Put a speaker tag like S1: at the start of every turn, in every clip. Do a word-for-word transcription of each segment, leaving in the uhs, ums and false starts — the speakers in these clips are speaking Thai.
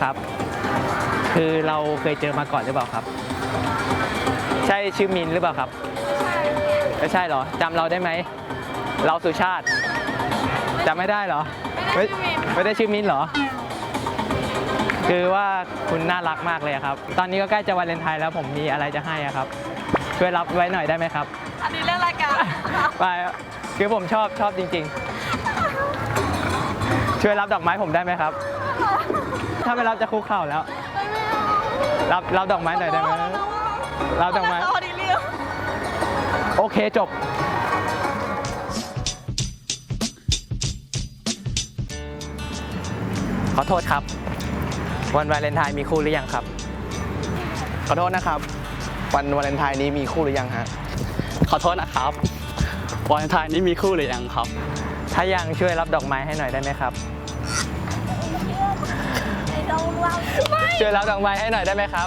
S1: ครับ คือเราเคยเจอมาก่อนหรือเปล่าครับ ใช่ชื่อมินหรือเปล่าครับไม่ใช่เหรอจำเราได้ไหมเราสุชาติจำไม่ได้เหรอไม่ไม่ได้ชื่อมินเหรอคือว่าคุณน่ารักมากเลยครับตอนนี้ก็ใกล้จะวาเลนไทน์แล้วผมมีอะไรจะให้ครับช่วยรับไว้หน่อยได้ไหมครับ
S2: อันนี้เรื่องรายการ
S1: ไปคือผมชอบชอบจริงๆช่วยรับดอกไม้ผมได้ไหมครับถ้าไม่รับจะคุกเข่าแล้วรับรับดอกไม้หน่อยได้ไหมรับดอกไม้โอเคจบขอโทษครับวันวาเลนไทน์มีคู่หรือยังครับ
S3: ขอโทษนะครับวันวาเลนไทน์นี้มีคู่หรือยังฮะ
S4: ขอโทษนะครับวาเลนไทน์นี้มีคู่หรือยังครับ
S1: ถ้ายังช่วยรับดอกไม้ให้หน่อยได้ไหมครับช่วยรับดอกไม้ให้หน่อยได้ไหมครับ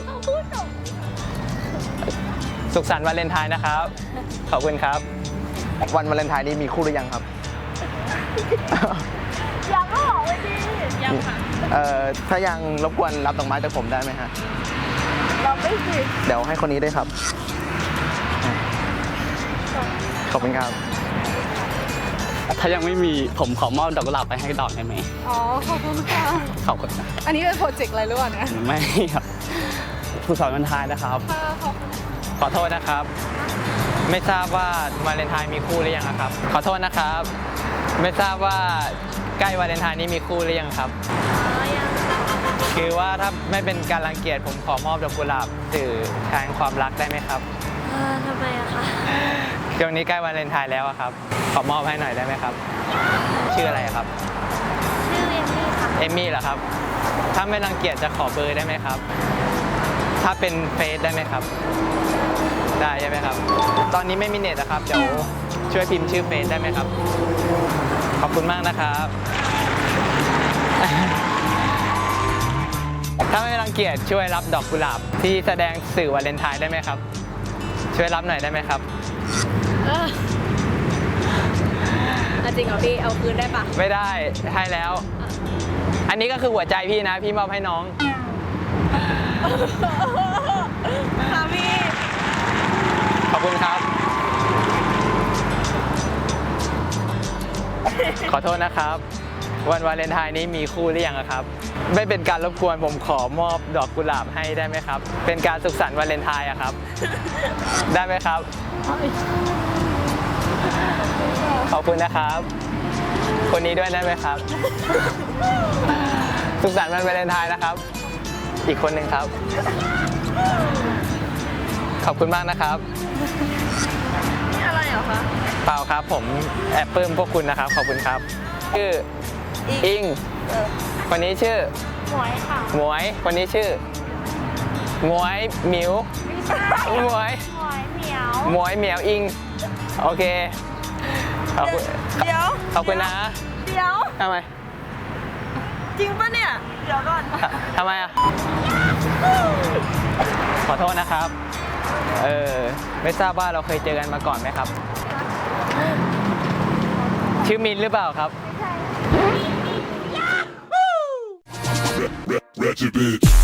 S1: สุขสันต์วาเลนไทน์นะครับขอบคุณครับ
S3: วันวาเลนไทน์นี้มีคู่หรือยังครับ
S2: ยังก็บอกไว้ดิยังค่ะ
S3: เอ่อถ้ายังรบกวนรับดอกไม้จากผมได้ไหมฮะ
S2: เราไม่สิ
S3: เดี๋ยวให้คนนี้ด้วยครับขอบคุณครับ
S4: ถ้ายังไม่มีผมขอมอบดอกกุหลาบไปให้ดอกได้ไหม
S2: อ๋อขอบคุณค่ะ
S4: ขอบคุณนะ
S2: อันนี้เป็นโปรเจกต์อะไรหรือเปล่าเนี่ย
S4: ไม่ครับสุขสันต์วาเลนไทน์นะครับ
S1: ขอโทษนะครับไม่ทราบว่าวาเลนไทน์มีคู่หรือยังครับขอโทษนะครับไม่ทราบว่าใกล้วาเลนไทน์นี้มีคู่หรือยังครับคือว่าถ้าไม่เป็นการรังเกียจผมขอมอบดอกกุหลาบสื่อแทนความรักได้ไหมครับ
S2: ทำไมอะคะ
S1: ช่วงนี้ใกล้วาเลนไทน์แล้วครับขอมอบให้หน่อยได้ไหมครับชื่ออะไรครับ
S2: ชื่อเอมมี่ค่ะ
S1: เอมมี่เหรอครับถ้าไม่รังเกียจจะขอเบอร์ได้ไหมครับถ้าเป็นเฟซได้ไหมครับได้ใช่ไหมครับตอนนี้ไม่มีเน็ตนะครับเดี๋ยวช่วยพิมพ์ชื่อเฟซได้ไหมครับขอบคุณมากนะครับถ้าไม่รังเกียจช่วยรับดอกกุหลาบที่แสดงสื่อวาเลนไทน์ได้ไหมครับช่วยรับหน่อยได้ไหมครับ
S2: จริงเหรอพี่เอาคืนได้ปะ
S1: ไม่ได้ให้แล้วอันนี้ก็คือหัวใจพี่นะพี่มอบให้น้อง
S2: ค่ะพี่
S1: ขอบคุณครับขอโทษนะครับวันวาเลนไทน์นี้มีคู่หรือยังครับไม่เป็นการรบกวนผมขอมอบดอกกุหลาบให้ได้ไหมครับเป็นการสุขสันต์วาเลนไทน์อะครับได้ไหมครับขอบคุณนะครับคนนี้ด้วยได้ไหมครับสุขสันต์วันวาเลนไทน์นะครับอีกคนหนึ่งครับขอบคุณมากนะครับ
S2: นี่อะไรเหรอคะ
S1: เปล่าครับผมแอบปลื้มพวกคุณนะครับขอบคุณครับชื่ออิงคนนี้ชื่อ
S2: หมวยค่ะ
S1: หมวยคนนี้ชื่อหมวยหมิวหมวย
S2: หมวยเหมียว
S1: หมวยเหมียวอิงโอเคขอบคุณ
S2: เดี๋ยว
S1: ขอบคุณนะ
S2: เดี๋ยว
S1: ทำไม
S2: จริงปะเนี่ยเดี๋ยวก่อน
S1: ทำไมอ่ะขอโทษนะครับเออไม่ทราบว่าเราเคยเจอกันมาก่อนไหมครับชื่อมินหรือเปล่าครับ
S2: ไม่ใช่